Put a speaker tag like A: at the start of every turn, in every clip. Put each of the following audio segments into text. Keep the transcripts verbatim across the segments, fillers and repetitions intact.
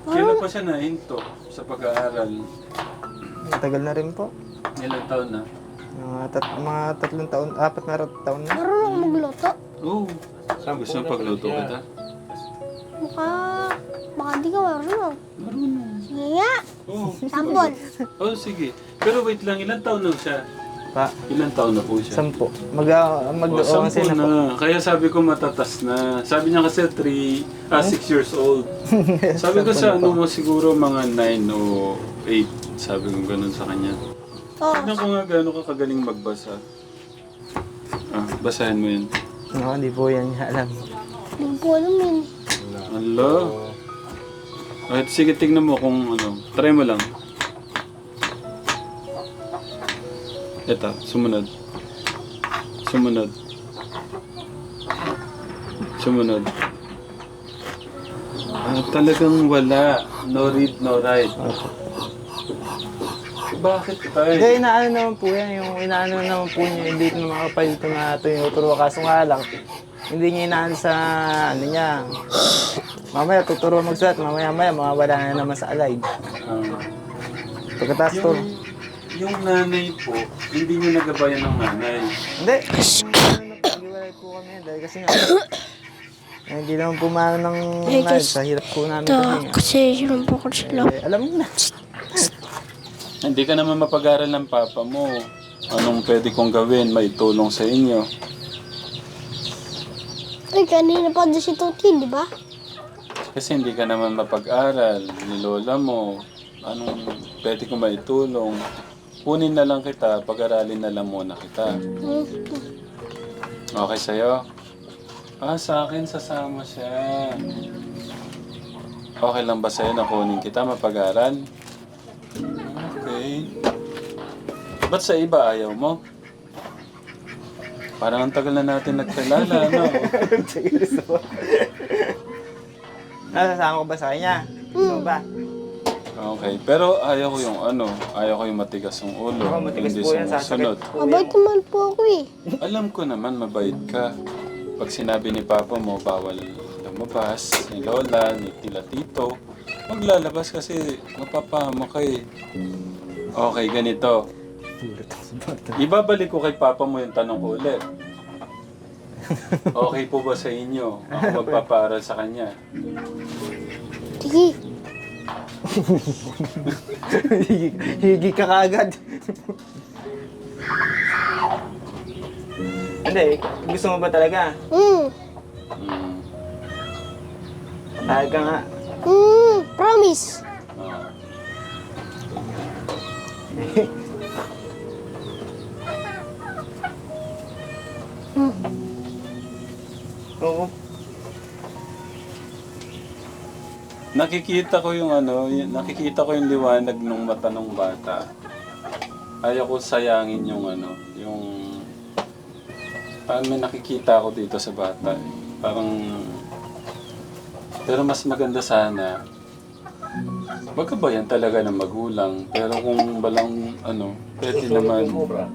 A: Kailan pa siya nahinto sa pag-aaral?
B: Matagal na rin po.
A: Ilang taon na?
B: Mga, tat mga tatlong taon, apat na rat- taon na.
C: Marunong ako magluto.
A: Oo. Oh, gusto mo pagluto kita?
C: Mukha, baka di ka marunong.
A: Marunong.
C: Sige nga,
A: Oo.
C: sampol.
A: Oh, sige. Pero wait lang, ilang taon na siya?
B: Pa,
A: Ilang taon na po siya?
B: sampo. Mag, uh, mag
A: Oh,
B: oh,
A: sampu
B: na po.
A: na. Kaya sabi ko matatas na. Sabi niya kasi three, ah, six years old. Sabi ko sa ano mo siguro mga nine o eight. Sabi ko ganun sa kanya.
C: Oo.
A: Tignan ko nga gano'n ka kagaling magbasa. Ah, basahin mo yun.
B: No, hindi po yan niya alam.
C: Hindi ko alam yun.
A: Hala. Ay, sige, tignan mo kung ano. Try mo lang. Ito, sumunod. Sumunod. Sumunod. Ah, talagang wala. No read, no write. Bakit tayo?
B: Hindi, inaano naman po yan. Yung inaano naman po niya, hindi na makapalito na tinuturo. Kaso nga lang, hindi niya inaano sa ano niya. Mamaya tuturo magsulat, mamaya maya mawawala na naman sa alay.
A: Ah,
B: Pagkatapos to,
A: yung, yung nanay po, hindi niyo nagabayan ng nanay.
B: hindi. Nagpag-iwalay po kami yan dahil kasi nga, eh, hindi naman pumano ng
C: Eh,
B: nanay.
C: guys,
B: Sa hirap po namin
C: Ito,
B: kasi nga.
C: kasi yun po ko sila.
B: Eh, alam mo na.
A: Hindi ka naman mapag-aral ng papa mo. Anong pwede kong gawin? Maitulong sa inyo.
C: Ay, kanina pa doon si Tuti, di ba?
A: Kasi hindi ka naman mapag-aral. Ni lola mo. Anong pwede kong maitulong? Kunin na lang kita. Pag-aralin na lang muna kita.
C: Hmm.
A: Okay sa'yo? Ah, sa akin sasama siya. Okay lang ba sa'yo na kunin kita mapag-aral? Okay. Ba't sa iba ayaw mo? Parang ang tagal na natin nagkilala, no?
B: Nasasama ko ba sa kanya? Gusto mo ba?
A: Okay, pero ayaw ko yung ano, ayaw ko yung matigas yung ulo.
B: Ako, matigas
A: Hindi
B: po yan,
A: sumusunod.
B: sasakit po
C: Mabait naman po ako eh.
A: Alam ko naman, mabait ka. Pag sinabi ni Papa mo, bawal lumabas, ni Lola, ni Tila Tito, maglalabas kasi mapapahama ka eh. Okay, ganito. Ibabalik ko kay Papa mo yung tanong ko ulit. Okay po ba sa inyo? Ako magpapaaral sa kanya.
C: Sige.
B: Higi, higi ka kaagad. Hindi, gusto mo ba talaga?
C: Hmm.
A: Hmm.
B: Tahal ka nga.
C: Hmm. Promise.
A: Ah.
B: Oo.
A: Nakikita ko yung ano, y- nakikita ko yung liwanag ng mata ng bata. Ayaw ko sayangin yung ano, yung... Parang may nakikita ako dito sa bata. eh. Parang... Pero mas maganda sana, magkabayan talaga ng magulang. Pero kung balang ano, pwede naman... Oo.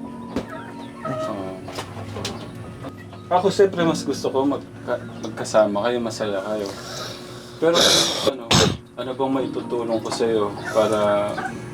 A: Ako siyempre mas gusto ko magka, magkasama kayo, masaya kayo. Pero ano, ano bang maitutulong ko sa iyo para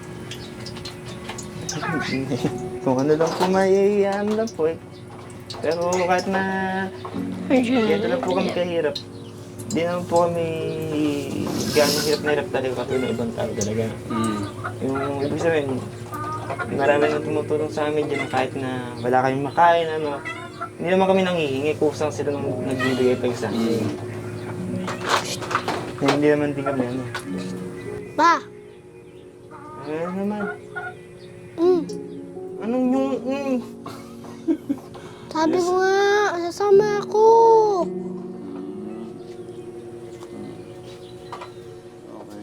B: Kung ano lang po may ano lang po eh. Pero kahit na ganito lang po kami kahirap. Di naman po kami gano'ng hirap na hirap talaga katulad ng ibang tao talaga.
A: mm,
B: Yung ibig sabihin, marami nang tumutulong sa amin dyan kahit na wala kaming makain, ano. Hindi naman kami nanghihingi, kusang sila nang nagbibigay tayo sa amin.
A: mm.
B: Eh, hindi naman din kami ano.
C: Ba?
B: Ano naman?
C: Hmm.
B: Anong yung... Mm.
C: Sabi ko nga, sasama ako.
A: Okay.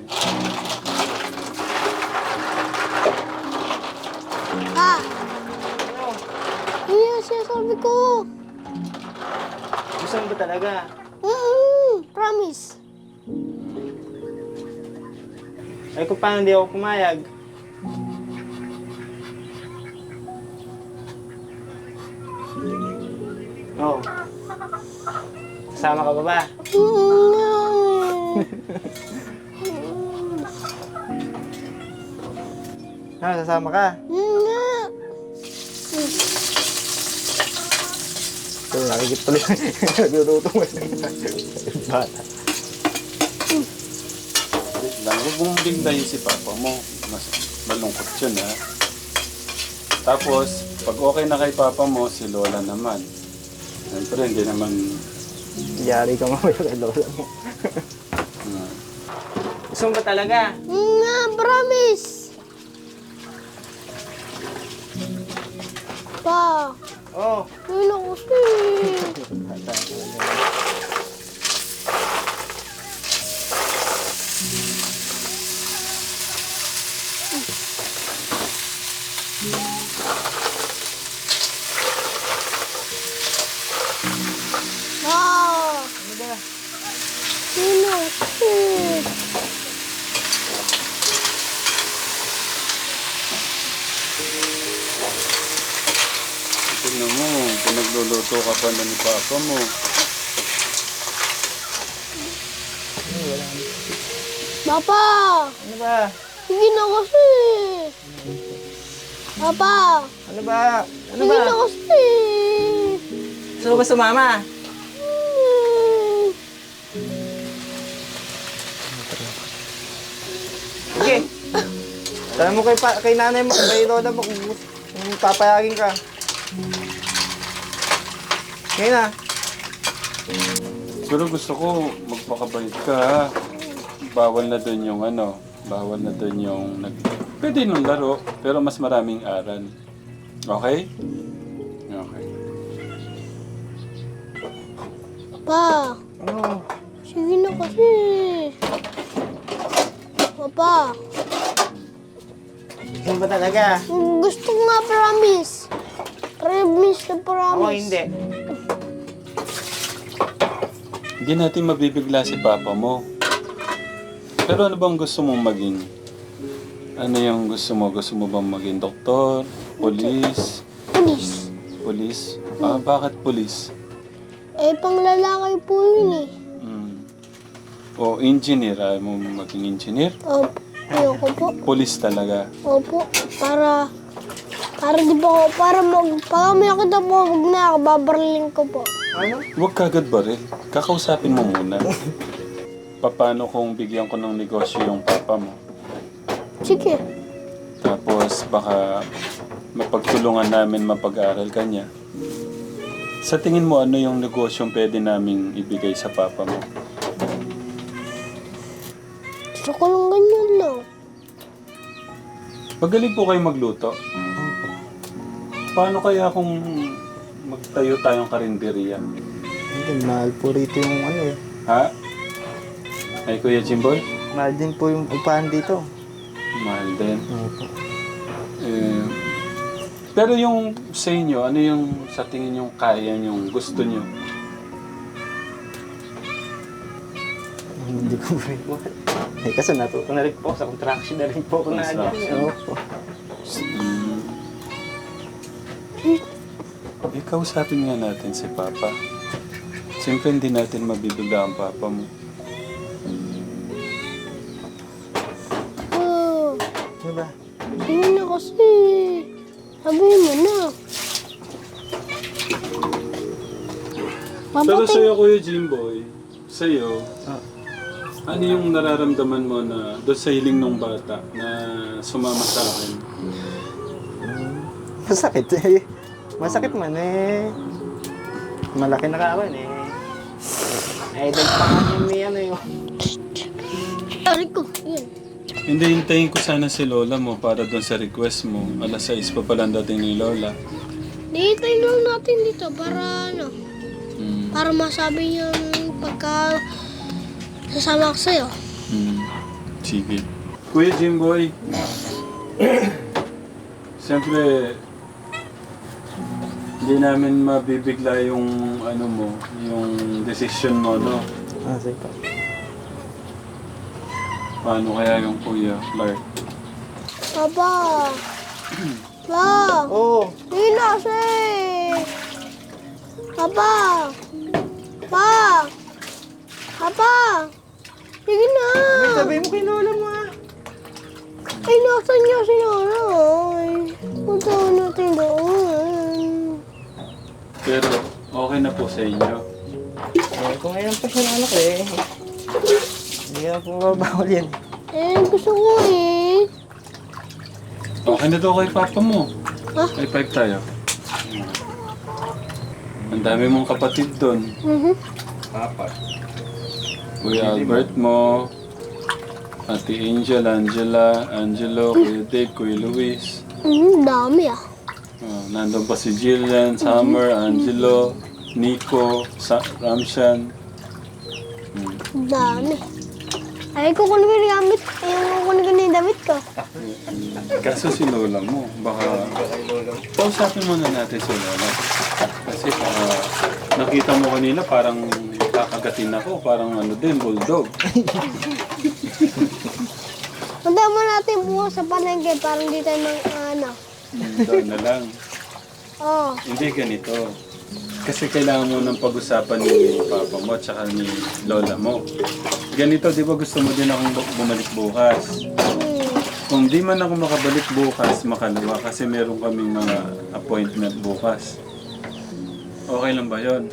C: Ah. Yun yung sinasabi ko.
B: Gusto mo ba talaga?
C: Hmm. Promise.
B: Ay kung paano hindi ako pumayag? Oo. Oh. Kasama ka ba ba?
C: Hmm.
B: Ha, sasama ka?
C: Hmm nga.
B: So, nakikip tuloy. Nagluluto mo yung bata.
A: Wait lang, huwag mong biglayin si papa mo. Mas malungkot yun ha. Tapos, pag okay na kay papa mo, si lola naman. Siyempre, hindi naman...
B: Yari ka mamaya kay lola mo.
A: Uh,
B: Gusto mo ba talaga?
C: Hmm nga, promise. Pa,
B: Oo. Oh.
C: yun ako si. Pa,
B: Ano ba?
C: yun ako si.
A: tignan mo, pinagluluto ka pa na ni papa mo.
C: Papa,
B: Ano ba?
C: sige na kasi. Papa,
B: Ano ba? Ano
C: sige
B: ba?
C: na kasi.
B: Gusto mo ba sumama?
C: Hmm.
B: Sige. Sabi mo kay, pa, kay nanay mo, kay lola mo kung, kung papayagin ka. Ngayon na.
A: Pero gusto ko magpakabait ka ha. Bawal na doon yung ano, bawal na doon yung nag... Pwede nung laro, pero mas maraming aral. Okay? Okay.
C: Papa,
B: Ano?
C: sige na kasi. Papa,
B: Gusto mo ba talaga?
C: gusto ko nga promise. Promise na promise.
B: Ako hindi.
A: Hindi natin mabibigla si papa mo. Pero ano bang gusto mong maging? Ano yung gusto mo? Gusto mo bang maging doktor? Police?
C: Police.
A: Police? Ah, bakit police?
C: Eh, pang lalaki po yun eh.
A: Hmm. O engineer? Ayaw mo maging engineer?
C: Opo, ayoko po.
A: Police talaga.
C: Opo, para... Para di ba ako, para mag... Pag may nakita po, huwag na ako, babarling ko po.
B: Ano?
A: Huwag kagad baril. Kakausapin mo muna. Paano kung bigyan ko ng negosyo yung papa mo?
C: Sige.
A: Tapos baka mapagtulungan namin mapag-aral ka niya. Sa tingin mo, ano yung negosyong pwede naming ibigay sa papa mo?
C: Gusto ko lang ganyan lang.
A: Magaling po kayo magluto. Paano kaya kung magtayo tayong karinderya?
B: Hindi, mahal po rito yung ano eh.
A: Ha? Ay, Kuya Jimboy?
B: Mahal din po yung upahan dito.
A: Mahal din.
B: Opo.
A: Eh, pero yung sa inyo, ano yung sa tingin yung kaya yung gusto nyo?
B: Hindi ko rin po. Eh, kasi natuto na rin po sa contraction na rin po ako na ano.
A: Construction.
B: Opo.
A: Mm. Eh, kausapin nga natin si Papa. Siyempre hindi natin mabibigla ang Papa mo.
C: Oh,
B: Ano ba?
C: sige na kasi. Sabihin mo na.
A: Pero
C: Mapatay.
A: sa'yo, Kuya Jimboy, sa'yo,
B: Ah.
A: ano yung nararamdaman mo na doon sa hiling ng bata na sumama sa akin?
B: Masakit eh. Masakit man eh. Malaki na kawan eh. Idol pa nga yung may ano yung...
C: Aray ko, yun.
A: Hindi, hintayin ko sana si Lola mo para doon sa request mo. alas sais pa pala ang dating ni Lola.
C: Dihintay lang natin dito para ano,
A: Hmm.
C: para masabi yung pagka sasama ko sa'yo.
A: Hmm. Sige. Kuya Jimboy, siyempre, hindi namin mabibigla yung ano mo, yung decision mo, no?
B: Ah, sige pa.
A: Paano kaya yung Kuya Clark?
C: Papa! Pa!
B: Oo.
C: Sige na kasi! Papa! Pa! Papa! Sige na!
B: Sabihin mo kay Lola mo ah.
C: Ay, nasan niya si nanay? Punta natin doon.
A: Pero okay na po sa inyo.
B: Eh, kung ngayon pa siya ng anak eh. Hindi na po mabawal yan.
C: Eh, gusto ko eh.
A: Okay na daw kay papa mo.
C: Ha?
A: High five tayo. Ang dami mong kapatid doon.
C: Mhm.
B: Apat.
A: Kuya Albert mo, Ate Angel, Angela, Angelo, Kuya Dave, Kuya Luis.
C: Mhm, dami ah.
A: Oh, nandun pa si Jillian, Summer, Angelo, Nico, Sa Ramshan. Hmm.
C: Dami. Ay, kukunin ko yung gamit. Ay, kukunin ko na yung damit ko.
A: Kaso si Lola mo, baka... Kausapin muna natin si Lola. Kasi baka nakita mo kanina parang kakagatin ako, parang ano din, bulldog.
C: Punta mo natin bukas sa palengke para hindi tayo mang ano.
A: Doon na lang.
C: Oh,
A: Hindi ganito. Kasi kailangan mo ng pag-usapan ni Papa mo at saka ni Lola mo. Ganito, di ba gusto mo din akong bu- bumalik bukas?
C: hmm.
A: Kung di man ako makabalik bukas, makalawa kasi meron kaming mga appointment bukas. Okay lang ba yon?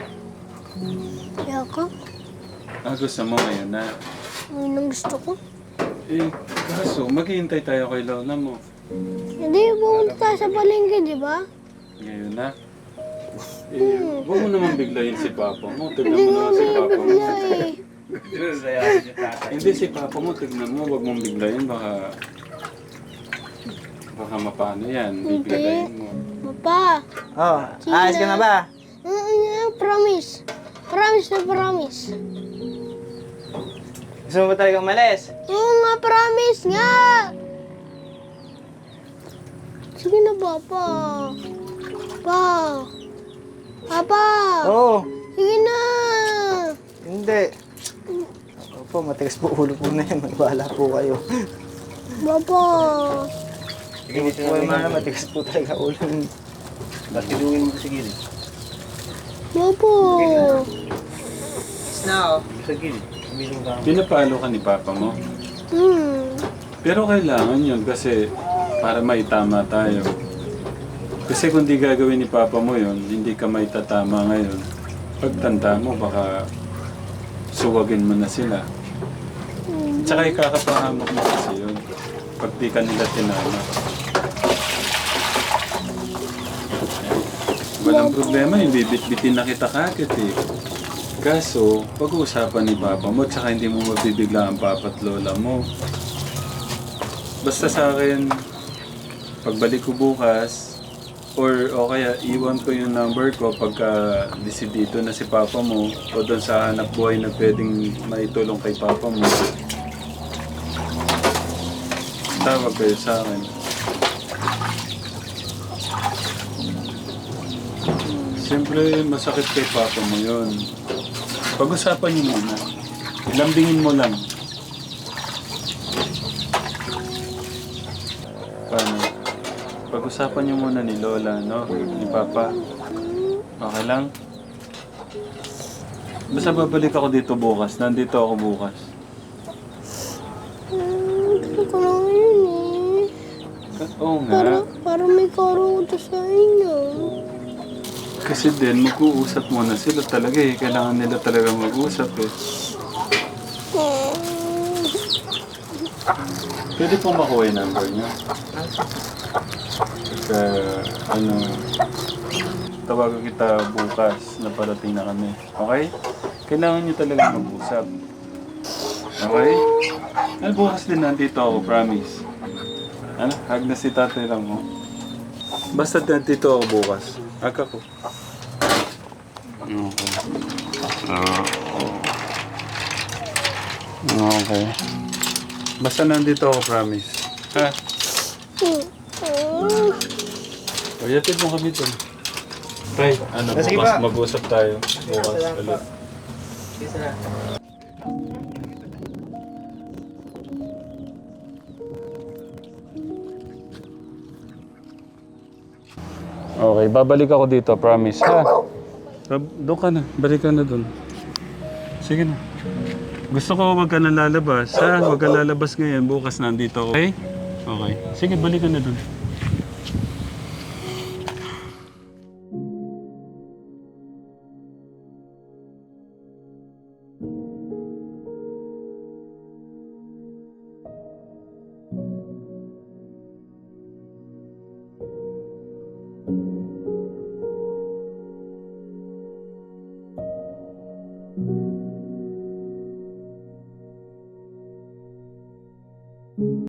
C: Yako.
A: Ah, gusto mo ngayon na.
C: Yun ang gusto ko.
A: Eh, kaso, maghihintay tayo kay Lola mo.
C: Hindi, pumunta tayo sa palengke, di ba?
A: Ngayon na. Eh, huwag mo naman biglayin si Papa mo. Tignan
C: Hindi
A: mo
C: nga
A: naman si Papa mo.
C: bigla eh.
A: Hindi si Papa mo, tignan mo. Huwag mong biglayin. Baka... Baka mapano yan. Bibiglayin mo.
B: Oh,
C: Papa.
B: ayos ka na ba?
C: Mm, promise. Promise na promise.
B: Gusto mo ba talaga umalis?
C: Oo nga, promise nga. Sige na, Papa. Papa. Papa.
B: Oo.
C: Sige na.
B: Hindi. Opo, matigas po ulo po na yun. Magwala po kayo.
C: Papa.
B: Sige, dito na naman. Matigas po talaga ulo. Ba't kiluin mo sa gilid?
C: Papa.
B: Now. Sa gilid. Sabihin ka.
A: Pinapalo ka ni Papa mo.
C: Hmm.
A: Pero kailangan yun kasi para maitama tayo. Kasi kung di gagawin ni Papa mo yun, hindi ka maitatama ngayon. Pagtanda mo, baka suwagin mo na sila. Tsaka ikakapahamak mo kasi yun. Pag di ka nila tinama. Walang problema, yung bibit-bitin na kita kakit eh. Kaso, pag-uusapan ni Papa mo, tsaka hindi mo mabibigla ang Papa at Lola mo. Basta sa akin, pagbalik ko bukas, or o kaya iwan ko yung number ko pagka desidido na si Papa mo o doon sa hanap buhay na pwedeng maitulong kay Papa mo. Tawag kayo sa akin. Siyempre, masakit kay Papa mo yun. Pag-usapan niyo muna. Lambingin mo lang. Paano? Pag-usapan niyo muna ni Lola, no? Ni Papa. Okay lang? Basta babalik ako dito bukas. Nandito ako bukas.
C: Hmm, gusto ko lang yun eh.
A: Oo
C: Para,
A: nga.
C: para may karuto sa inyo.
A: Kasi din, mag-uusap muna sila talaga eh. Kailangan nila talaga mag-usap eh.
C: Hmm.
A: Pwede pong makuha yung number niya. Pagka, ano, tawagan kita bukas na parating na kami. Okay? Kailangan niyo talaga mag-usap. Okay? Ano, bukas din nandito ako, promise. Ano? Hag na si tatay lang mo. Basta nandito ako bukas. Hag ako. Okay. Ah. Okay. Basta nandito ako, promise. Ha?
C: Hmm.
A: O, yatid mo kami dun. Tay, ano,
B: Ah, sige
A: bukas
B: pa.
A: mag-usap tayo. Bukas
B: Salamat
A: ulit.
B: Isa na.
A: Okay, babalik ako dito, promise. Ha? Bab- Doon ka na. Balik ka na doon. Sige na. Gusto ko huwag ka na lalabas, ha? Huwag ka lalabas ngayon. Bukas nandito ako. Okay?
D: Okay. Sige, balikan na dun.